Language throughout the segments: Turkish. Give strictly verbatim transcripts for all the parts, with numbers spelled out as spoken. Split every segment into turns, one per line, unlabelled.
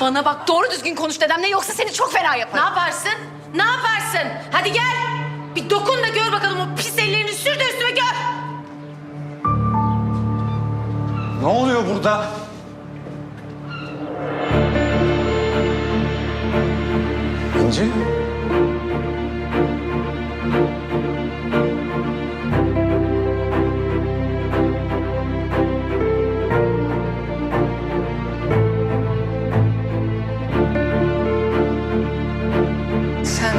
Bana bak, doğru düzgün konuş dedemle, yoksa seni çok fena
Ne
yaparım.
yaparsın? Ne yaparsın? Hadi gel. Bir dokun da gör bakalım, o pis ellerini sür de üstüme gör.
Ne oluyor burada? İnci?
Sen...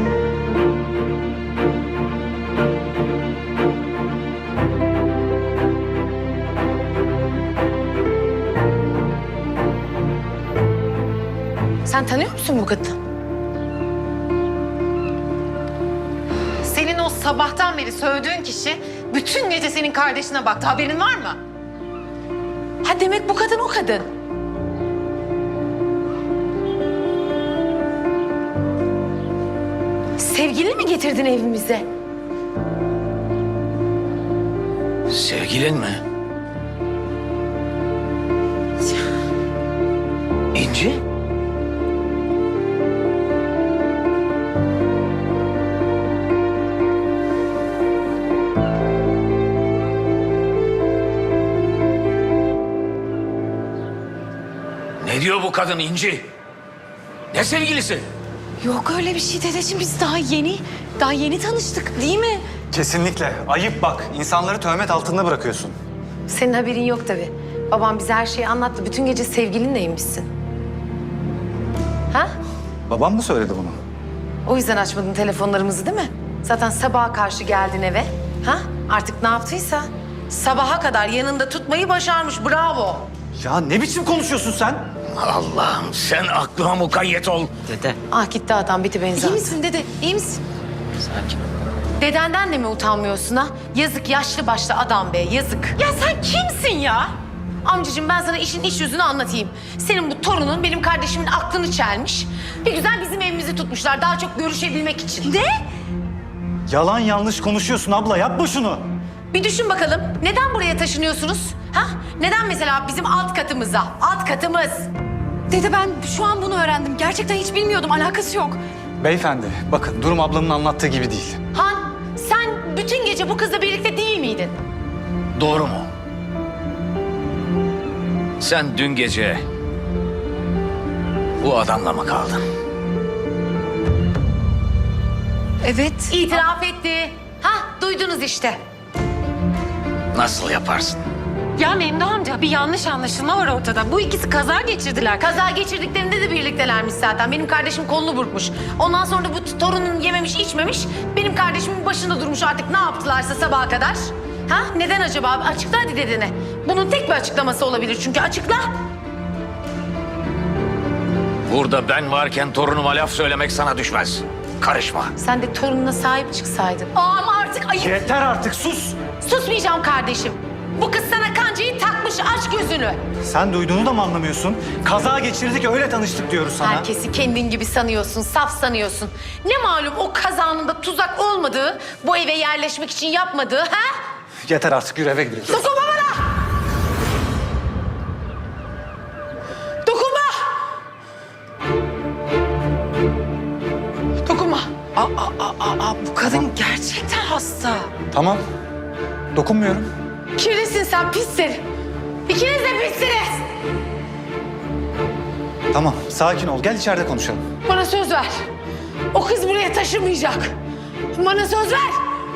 Sen tanıyor musun bu kadını?
Senin o sabahtan beri sövdüğün kişi bütün gece senin kardeşine baktı. Haberin var mı?
Ha, demek bu kadın o kadın. Sevgilini mi getirdin evimize?
Sevgilin mi? İnci? Ne diyor bu kadın İnci? Ne sevgilisi?
Yok öyle bir şey dedeciğim, biz daha yeni, daha yeni tanıştık değil mi?
Kesinlikle. Ayıp bak. İnsanları töhmet altında bırakıyorsun.
Senin haberin yok tabii. Babam bize her şeyi anlattı. Bütün gece sevgilinleymişsin. Ha?
Babam mı söyledi bunu?
O yüzden açmadın telefonlarımızı değil mi? Zaten sabaha karşı geldin eve. Ha? Artık ne yaptıysa.
Sabaha kadar yanında tutmayı başarmış. Bravo.
Ya ne biçim konuşuyorsun sen?
Allah'ım sen aklıma mukayyet ol.
Dede.
Ah gitti adam, biti beni
İyi
zaten.
misin dede? İyi misin?
Sakin ol.
Dedenden de mi utanmıyorsun ha? Yazık, yaşlı başlı adam be, yazık.
Ya sen kimsin ya?
Amcacığım, ben sana işin iç yüzünü anlatayım. Senin bu torunun benim kardeşimin aklını çelmiş. Bir güzel bizim evimizi tutmuşlar daha çok görüşebilmek için.
Ne?
Yalan yanlış konuşuyorsun abla. Yapma şunu.
Bir düşün bakalım, neden buraya taşınıyorsunuz? Ha? Neden mesela bizim alt katımıza, alt katımız?
Dede, ben şu an bunu öğrendim. Gerçekten hiç bilmiyordum. Alakası yok.
Beyefendi bakın durum ablamın anlattığı gibi değil.
Han, sen bütün gece bu kızla birlikte değil miydin?
Doğru mu? Sen dün gece bu adamla mı kaldın?
Evet.
İtiraf etti. Ha, duydunuz işte.
Nasıl yaparsın?
Ya Memduh amca, bir yanlış anlaşılma var ortada. Bu ikisi kaza geçirdiler.
Kaza geçirdiklerinde de birliktelermiş zaten. Benim kardeşim kolunu burkmuş. Ondan sonra da bu torunun yememiş içmemiş. Benim kardeşimin başında durmuş, artık ne yaptılarsa sabaha kadar. Ha? Neden acaba abi? Açıkla hadi dedene. Bunun tek bir açıklaması olabilir çünkü, açıkla.
Burada ben varken torunuma laf söylemek sana düşmez. Karışma.
Sen de torununa sahip çıksaydın. Aa, ama artık ayıp.
Yeter artık sus.
Susmayacağım kardeşim. Bu kız sana kancayı takmış, aç gözünü.
Sen duyduğunu da mı anlamıyorsun? Kaza geçirdik öyle tanıştık diyoruz sana.
Herkesi kendin gibi sanıyorsun, saf sanıyorsun. Ne malum o kazanın da tuzak olmadığı, bu eve yerleşmek için yapmadığı, ha?
Yeter artık, yürü eve gidiyoruz.
Dokunma bana! Dokunma! Dokunma!
Aa, aa, aa, aa, bu kadın gerçekten hasta.
Tamam. Dokunmuyorum.
Kirlisin sen, pissin. İkiniz de pissiniz.
Tamam sakin ol. Gel içeride konuşalım.
Bana söz ver. O kız buraya taşınmayacak. Bana söz ver.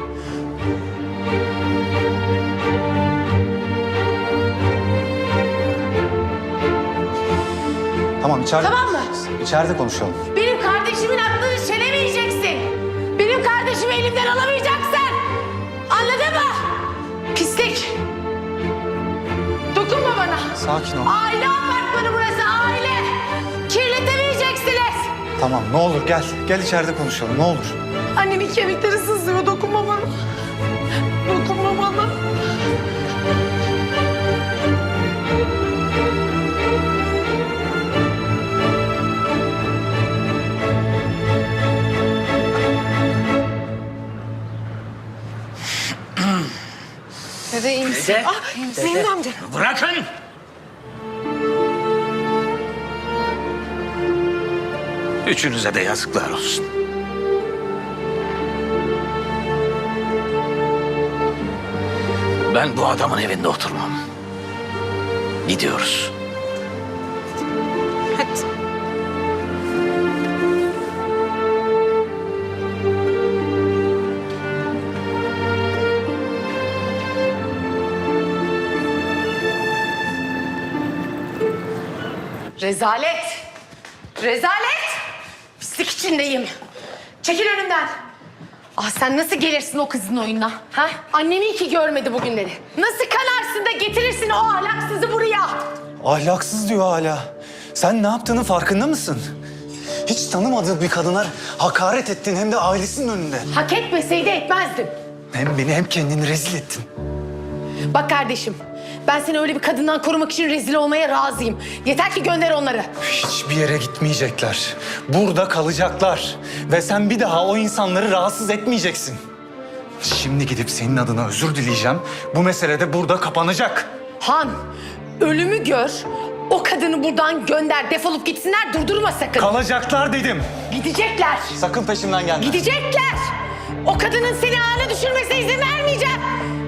Tamam içeride.
Tamam mı?
İçeride konuşalım.
Benim kardeşimin aklını çelemeyeceksin. Benim kardeşimi elimden alamayacaksın. Anladın mı? Pislik. Dokunma bana.
Sakin ol.
Aile apartmanı burası, aile. Kirletemeyeceksiniz.
Tamam ne olur gel. Gel içeride konuşalım ne olur.
Annemin kemikleri sızlıyor, dokunma bana. Dokunma bana.
Dede iyi misin?
Dede.
Ah, Memduh amca.
Bırakın! Üçünüze de yazıklar olsun. Ben bu adamın evinde oturmam. Gidiyoruz.
Hadi.
Rezalet. Rezalet. Pislik içindeyim. Çekil önümden. Ah sen nasıl gelirsin o kızın oyununa? Ha? Annem iyi ki görmedi bugünleri. Nasıl kanarsın da getirirsin o ahlaksızı buraya?
Ahlaksız diyor hala. Sen ne yaptığının farkında mısın? Hiç tanımadığın bir kadına hakaret ettin hem de ailesinin önünde.
Hak etmeseydi etmezdim.
Hem beni hem kendini rezil ettin.
Bak kardeşim, ben seni öyle bir kadından korumak için rezil olmaya razıyım. Yeter ki gönder onları.
Hiçbir yere gitmeyecekler. Burada kalacaklar. Ve sen bir daha o insanları rahatsız etmeyeceksin. Şimdi gidip senin adına özür dileyeceğim. Bu mesele de burada kapanacak.
Han, ölümü gör, o kadını buradan gönder, defolup gitsinler, durdurma sakın.
Kalacaklar dedim.
Gidecekler,
Sakın peşimden gelme.
gidecekler. O kadının seni ağına düşürmesine izin vermeyeceğim.